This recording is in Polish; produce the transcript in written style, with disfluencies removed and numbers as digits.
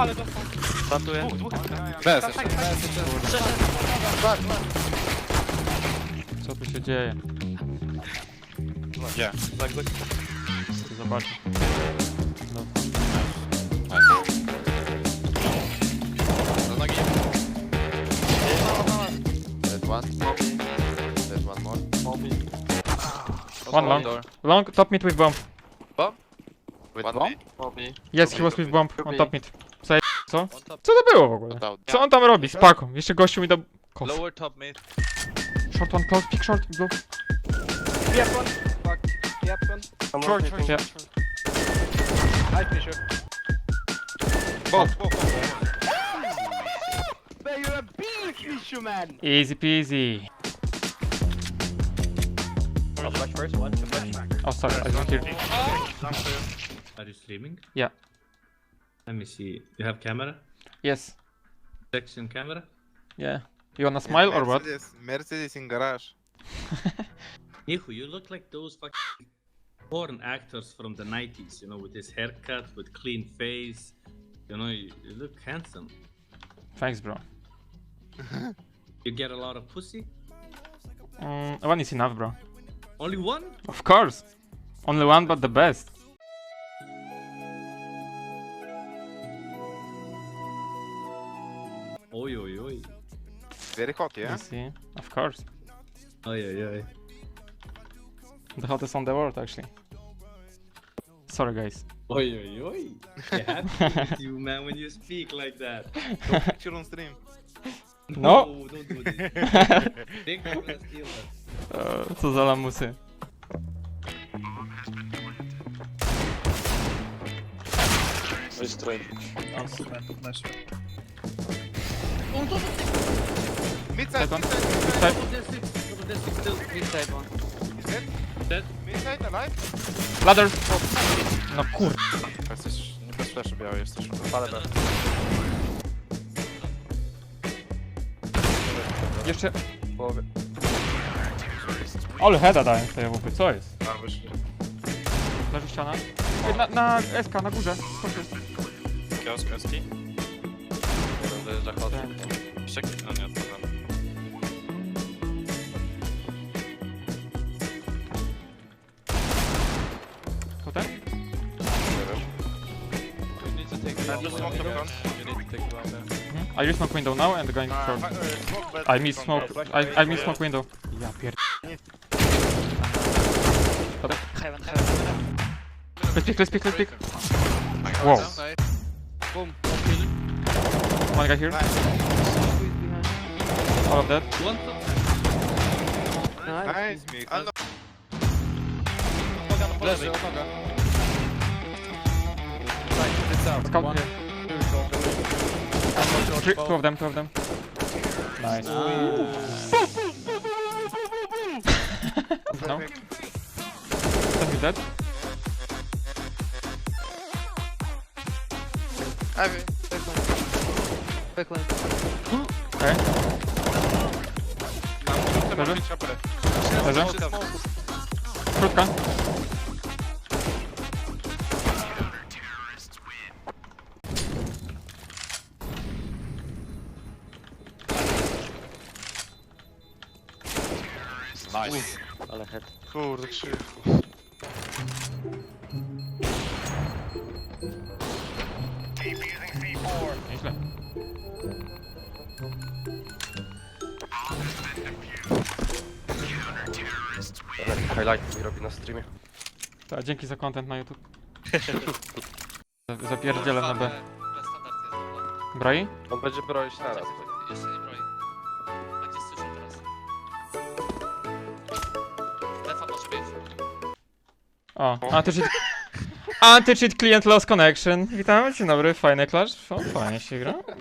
Ale dostał. Plantuję. Dwóch. Bez, Tak, jeszcze. tak. Co tu się dzieje? Gdzie? Chcę zobaczyć. No. Do nogi. Dead one. Dead one more. One long. Door. Long, top mid with bomb. With One bomb? Yes, he was with bomb on top mid. Co? On top. Co to było w ogóle? Down. Co on tam robi? Spako. Jeszcze gościu mi dał... Kof. Lower top mid. Short one, close, pick short, blue. Yep, one. Fuck. Yep, one. Short, short, Yeah. I finish it. Both. Man, you're a beast, Fishu, man. Easy peasy. I'll flash first. One, two flash. Oh, sorry, I didn't hear. Are you streaming? Yeah. Let me see. You have camera? Yes. Section camera? Yeah. You wanna smile or what? Mercedes in garage. Nihu, you look like those fucking porn actors from the 90s, you know, with this haircut, with clean face. You know, you look handsome. Thanks, bro. You get a lot of pussy? One is enough, bro. Only one? Of course. Only one, but the best. Oi, oi, oi. Very hot, yeah? You see? Of course. Oi, oi, oi. The hottest on the world, actually. Sorry, guys. Oi, oi, oi. You happy with you, man, when you speak like that. Picture on stream. No. Don't do this. Big gonna steal that. Co za lamusy. Midside, Second. midside, Over there, six. Over there, six still. Inside one. midside. Dead. Midside, alive? Ladder! No kur... Jesteś, bez flashu białej jesteś. Ale B. Jeszcze... Ale heada dałem w tej łupy, co jest? A, wyszli. Leży ściana. Ej, na SK, na górze. Chodź. Kiosk, eski. Jeden dojeżdża hot. Jeszcze... No nie, to tam. To ten? We need to take the Just smoke the front. We need to take the bomb there. I use smoke window now and going short. I miss smoke. I miss smoke window. Ja pierd... Let's pick. Wow. Boom. One guy here. All of that. One top. Nice, Mik. A no. Leży. Scout here. Two of them. Nice. No. Is dead? Backline. Okay. Leży? Krótka. Nice. Ale head. Kurde, krzyk. Nieźle. Highlight mi robi na streamie. To dzięki za content na YouTube. Zapierdzielę na B. Broi? On będzie broić naraz. Jeszcze nie broi. Będzie słyszał teraz. Defa może być. O, anti-cheat client lost connection. Witam, dzień dobry, fajny clash. O, fajnie się gra.